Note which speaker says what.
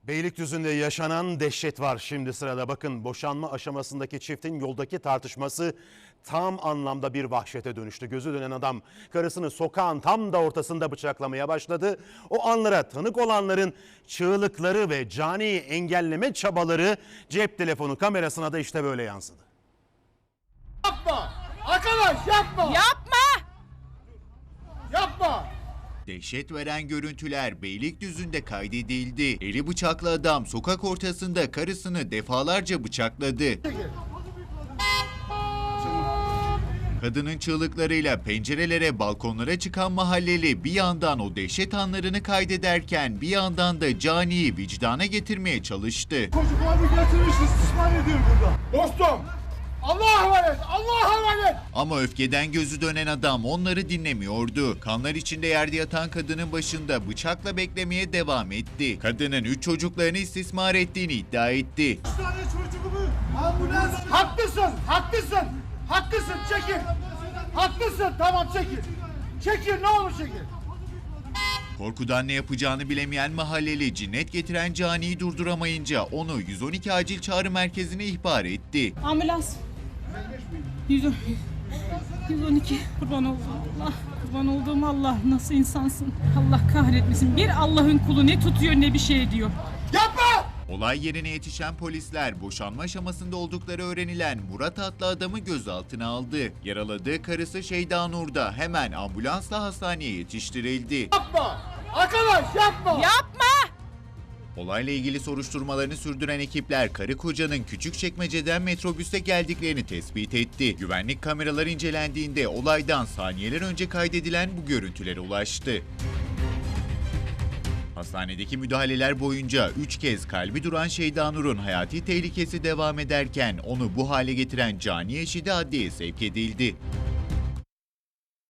Speaker 1: Beylikdüzü'nde yaşanan dehşet var şimdi sırada. Bakın, boşanma aşamasındaki çiftin yoldaki tartışması tam anlamda bir vahşete dönüştü. Gözü dönen adam karısını sokağın tam da ortasında bıçaklamaya başladı. O anlara tanık olanların çığlıkları ve caniyi engelleme çabaları cep telefonu kamerasına da işte böyle yansıdı.
Speaker 2: Yapma! Arkadaş yapma!
Speaker 3: Yapma!
Speaker 2: Yapma!
Speaker 4: Dehşet veren görüntüler Beylikdüzü'nde kaydedildi. Eli bıçaklı adam sokak ortasında karısını defalarca bıçakladı. Kadının çığlıklarıyla pencerelere, balkonlara çıkan mahalleli bir yandan o dehşet anlarını kaydederken bir yandan da caniyi vicdana getirmeye çalıştı.
Speaker 2: Çocuklarını getirmiş istismar ediyor burada. Dostum! Allah'a emanet! Allah'a emanet!
Speaker 4: Ama öfkeden gözü dönen adam onları dinlemiyordu. Kanlar içinde yerde yatan kadının başında bıçakla beklemeye devam etti. Kadının 3 çocuklarını istismar ettiğini iddia etti.
Speaker 2: 3 tane çocuğumu ambulans... Haklısın! Haklısın! Haklısın! Çekil! Haklısın! Tamam çekil! Çekil ne olur çekil!
Speaker 4: Korkudan ne yapacağını bilemeyen mahalleli cinnet getiren caniyi durduramayınca onu 112 acil çağrı merkezine ihbar etti.
Speaker 3: Ambulans. 112. Kurban olduğum Allah. Kurban olduğum Allah. Nasıl insansın? Allah kahretmesin. Bir Allah'ın kulu ne tutuyor ne bir şey diyor.
Speaker 2: Yapma!
Speaker 4: Olay yerine yetişen polisler boşanma aşamasında oldukları öğrenilen Murat adlı adamı gözaltına aldı. Yaraladığı karısı Şeyda Nur da hemen ambulansla hastaneye yetiştirildi.
Speaker 2: Yapma! Arkadaş yapma!
Speaker 3: Yapma!
Speaker 4: Olayla ilgili soruşturmalarını sürdüren ekipler karı kocanın Küçükçekmece'den metrobüste geldiklerini tespit etti. Güvenlik kameraları incelendiğinde olaydan saniyeler önce kaydedilen bu görüntülere ulaştı. Hastanedeki müdahaleler boyunca 3 kez kalbi duran Şeyda Nur'un hayati tehlikesi devam ederken onu bu hale getiren cani eşi de adliyeye sevk edildi.